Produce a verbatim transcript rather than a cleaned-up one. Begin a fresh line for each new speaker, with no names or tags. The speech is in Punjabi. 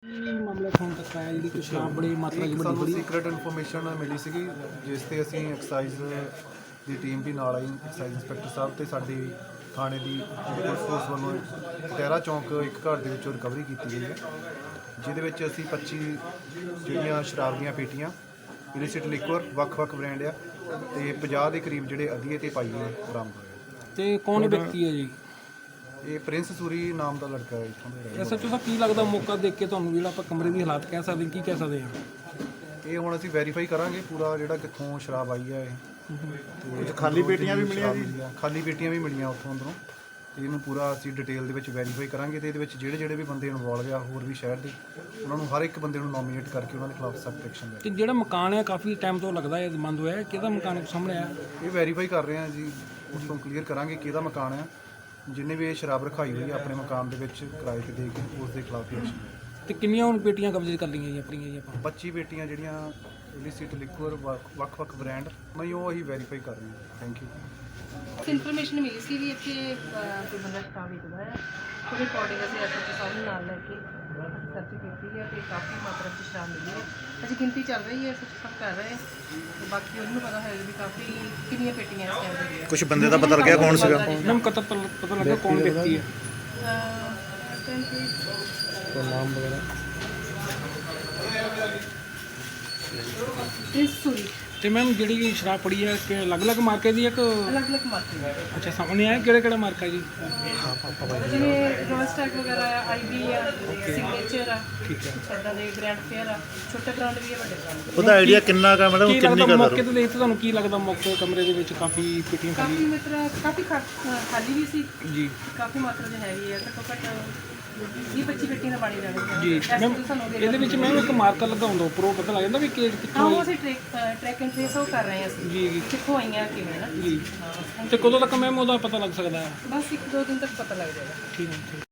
ਮਾਮਲਾ ਹੁਣ ਤੱਕ ਆਇਆ ਜਿਹੜੀ ਕਿ ਸ਼ਰਾਬ ਬੜੀ ਮਾਤਰਾ
ਇੱਕ
ਚ
ਸਾਨੂੰ
ਬੜੀ
ਸੀਕ੍ਰੇਟ ਇਨਫੋਰਮੇਸ਼ਨ ਮਿਲੀ ਸੀਗੀ ਜਿਸ ਤੇ ਅਸੀਂ ਐਕਸਾਈਜ਼ ਦੀ ਟੀਮ ਵੀ ਨਾਲ ਆਈ, ਐਕਸਾਈਜ਼ ਇੰਸਪੈਕਟਰ ਸਾਹਿਬ ਤੇ ਸਾਡੀ ਥਾਣੇ ਦੀ ਪੁਲਿਸ ਫੋਰਸ ਵੱਲੋਂ ਟਹਿਰਾ ਚੌਂਕ ਇੱਕ ਘਰ ਦੇ ਵਿੱਚੋਂ ਰਿਕਵਰੀ ਕੀਤੀ ਗਈ ਹੈ, ਜਿਹਦੇ ਵਿੱਚ ਅਸੀਂ ਪੱਚੀ ਜਿਹੜੀਆਂ ਸ਼ਰਾਬ ਦੀਆਂ ਪੇਟੀਆਂ ਇਲਿਸਿਟ ਲਿਕਵਰ ਵੱਖ-ਵੱਖ ਬ੍ਰਾਂਡ ਆ ਤੇ ਪੰਜਾਹ ਦੇ ਕਰੀਬ ਜਿਹੜੇ ਅਧੀਏ ਤੇ ਪਾਈਏ ਬਰਾਮਦ ਹੋਏ।
ਤੇ ਕੌਣ ਵਿਅਕਤੀ ਹੈ ਜੀ?
ਇਹ ਪ੍ਰਿੰਸ ਸੂਰੀ ਨਾਮ ਦਾ ਲੜਕਾ ਹੈ ਇੱਥੋਂ ਦਾ।
ਐਸਐਚਓ ਸਾਹਿਬ ਕੀ ਲੱਗਦਾ ਮੌਕਾ ਦੇਖ ਕੇ ਤੁਹਾਨੂੰ ਜਿਹੜਾ ਆਪਾਂ ਕਮਰੇ ਦੀ ਹਾਲਾਤ ਕਹਿ ਸਕਦੇ ਕੀ ਕਹਿ ਸਕਦੇ ਹਾਂ?
ਇਹ ਹੁਣ ਅਸੀਂ ਵੈਰੀਫਾਈ ਕਰਾਂਗੇ ਪੂਰਾ ਜਿਹੜਾ ਕਿੱਥੋਂ ਸ਼ਰਾਬ ਆਈ ਹੈ ਇਹ ਤੇ
ਖਾਲੀ ਪੇਟੀਆਂ ਵੀ ਮਿਲੀਆਂ ਜੀ?
ਖਾਲੀ ਪੇਟੀਆਂ ਵੀ ਮਿਲੀਆਂ ਉੱਥੋਂ ਅੰਦਰੋਂ। ਇਹਨੂੰ ਪੂਰਾ ਅਸੀਂ ਡਿਟੇਲ ਦੇ ਵਿੱਚ ਵੈਰੀਫਾਈ ਕਰਾਂਗੇ ਤੇ ਇਹਦੇ ਵਿੱਚ ਜਿਹੜੇ ਜਿਹੜੇ ਵੀ ਬੰਦੇ ਇਨਵੋਲਵ ਆ ਹੋਰ ਵੀ ਸ਼ਹਿਰ ਦੇ ਉਹਨਾਂ ਨੂੰ ਹਰ ਇੱਕ ਬੰਦੇ ਨੂੰ ਨੋਮੀਨੇਟ ਕਰਕੇ ਉਹਨਾਂ ਦੇ ਖਿਲਾਫ ਸਖਤ ਐਕਸ਼ਨ ਲੈ।
ਤੇ ਜਿਹੜਾ ਮਕਾਨ ਹੈ ਕਾਫੀ ਟਾਈਮ ਤੋਂ ਲੱਗਦਾ ਹੈ ਬੰਦ ਹੋਇਆ ਹੈ, ਕਿਹਦਾ ਮਕਾਨ ਸਾਹਮਣੇ ਆਇਆ?
ਇਹ ਵੈਰੀਫਾਈ ਕਰ ਰਹੇ ਹਾਂ ਜੀ, ਉਸ ਤੋਂ ਕਲੀਅਰ ਕਰਾਂਗੇ ਕਿਹਦਾ ਮਕਾਨ ਆ। ਜਿੰਨੇ ਵੀ ਇਹ ਸ਼ਰਾਬ ਰਖਾਈ ਹੋਈ ਹੈ ਆਪਣੇ ਮਕਾਨ ਦੇ ਵਿੱਚ ਕਿਰਾਏ ਤੇ ਦੇ ਕੇ ਉਸ ਦੇ ਖਿਲਾਫ ਐਕਸ਼ਨ ਲੈ।
ਤੇ ਕਿੰਨੀਆਂ ਹੁਣ ਪੇਟੀਆਂ ਕਬਜ਼ੇ ਕਰ ਲਈਆਂ ਜੀ ਆਪਣੀਆਂ ਜੀ ਆਪਾਂ?
ਪੱਚੀ ਪੇਟੀਆਂ ਜਿਹੜੀਆਂ ਇਲਿਸਿਟ ਲਿਕਵਰ ਵੱਖ-ਵੱਖ ਬ੍ਰਾਂਡ ਨਹੀਂ ਉਹ ਅਸੀਂ ਵੈਰੀਫਾਈ ਕਰ ਰਹੇ ਹਾਂ। Thank you.
ਇਨਫੋਰਮੇਸ਼ਨ ਮਿਲੀ ਸੀ ਵੀ ਇੱਥੇ ਅਹ, ਕੋਈ ਬੰਦਾ ਸ਼ਰਾਬ ਵੇਚਦਾ ਹੈ, ਉਹਦੇ ਅਕੋਰਡਿੰਗ ਅਸੀਂ ਐਸਐਚਓ ਸਾਹਿਬ ਨੂੰ ਨਾਲ ਲੈ ਕੇ ਸਰਚ ਕੀਤੀ ਹੈ ਤੇ ਕਾਫੀ ਮਾਤਰਾ 'ਚ ਸ਼ਰਾਬ ਮਿਲੀ ਹੈ। ਅਜੇ ਗਿਣਤੀ ਚੱਲ ਰਹੀ ਹੈ, ਐਸਐਚਓ ਸਾਹਿਬ ਕਰ ਰਹੇ ਹੈ ਤੇ ਬਾਕੀ ਉਹਨੂੰ ਪਤਾ ਹੋਏਗਾ ਵੀ ਕਾਫੀ ਕਿੰਨੀਆਂ ਪੇਟੀਆਂ ਇਸ ਟਾਈਮ ਦੇ
ਕੁਝ ਬੰਦੇ ਦਾ ਪਤਾ ਲੱਗਿਆ ਕੌਣ ਸੀਗਾ?
ਮੈਮ ਕਤਲ ਪਤਾ ਲੱਗਾ ਕੌਣ ਵਿਅਕਤੀ ਹੈ?
ਇਸ ਟਾਈਮ ਤੇ
ਨਾਮ ਵਗੈਰਾ
ਪ੍ਰਿੰਸ ਸੂਰੀ
ਤੇ ਮੈਮ ਜਿਹੜੀ ਸ਼ਰਾਬ ਪੜੀ ਹੈ ਕਿ ਅਲੱਗ-ਅਲੱਗ ਮਾਰਕੇ ਦੀ ਹੈ ਕਿ
ਅਲੱਗ-ਅਲੱਗ ਮਾਰਕੇ
ਅੱਛਾ ਸਾਹਮਣੇ ਆਇਆ ਕਿਹੜਾ ਕਿਹੜਾ ਮਾਰਕਾ ਜੀ?
ਜਿਵੇਂ ਰੋਸਟੈਕ ਵਗੈਰਾ ਆ, ਆਈਬੀ ਆ, ਸਿਗਨੇਚਰ ਆ,
ਠੀਕ ਹੈ।
ਇੱਦਾਂ ਦੇ ਗ੍ਰੈਂਡ ਫੇਅਰ ਆ, ਛੋਟੇ ਬ੍ਰਾਂਡ ਵੀ ਆ, ਵੱਡੇ ਬ੍ਰਾਂਡ ਵੀ ਆ।
ਉਹਦਾ ਆਈਡੀਆ ਕਿੰਨਾ ਕਾ ਮੈਡਮ,
ਕੀ
ਕਿੰਨੀ
ਲੱਗਦਾ
ਕਾ
ਮੌਕੇ ਤੇ ਦੇਖ ਕੇ ਤੁਹਾਨੂੰ ਕੀ ਲੱਗਦਾ ਮੌਕੇ ਕਮਰੇ ਦੇ ਵਿੱਚ ਕਾਫੀ ਪੇਟੀਆਂ
ਕਾਫੀ
ਖਾਲੀ?
ਮਾਤਰਾ ਕਾਫੀ ਖਾ- ਖਾਲੀ ਵੀ ਸੀ,
ਜੀ
ਕਾਫੀ ਮਾਤਰਾ ਦੇ ਹੈਗੀ ਹੈ, ਘੱਟੋ ਘੱਟ ਵੀਹ ਪੱਚੀ ਪੇਟੀਆਂ ਦਾ ਪਾਣੀ ਜਾਣੀ
ਜੀ ਮੈਮ ਇਹਦੇ ਵਿੱਚ ਮੈਮ ਇੱਕ ਮਾਰਕਰ ਲਗਾਉਂਦਾ ਉੱਪਰੋਂ ਪਤਾ ਲੱਗ ਜਾਂਦਾ ਵੀ ਕਿ
ਹਾਂ
ਕਿੱਥੋਂ
ਉਹ ਅਸੀਂ ਟ੍ਰੈਕ ਟ੍ਰੈਕ ਐਂਡ ਟ੍ਰੇਸ ਉਹ ਕਰ ਰਹੇ ਹਾਂ ਅਸੀਂ
ਜੀ ਜੀ
ਕਿੱਥੋਂ ਆਈਆਂ ਕਿਵੇਂ ਨਾ।
ਜੀ ਤੇ ਕਦੋਂ ਤੱਕ ਮੈਮ ਉਹਦਾ ਪਤਾ ਲੱਗ ਸਕਦਾ ਹੈ?
ਬਸ ਇੱਕ ਦੋ ਦਿਨ ਤੱਕ ਪਤਾ ਲੱਗ ਜਾਏਗਾ।
ਠੀਕ ਹੈ।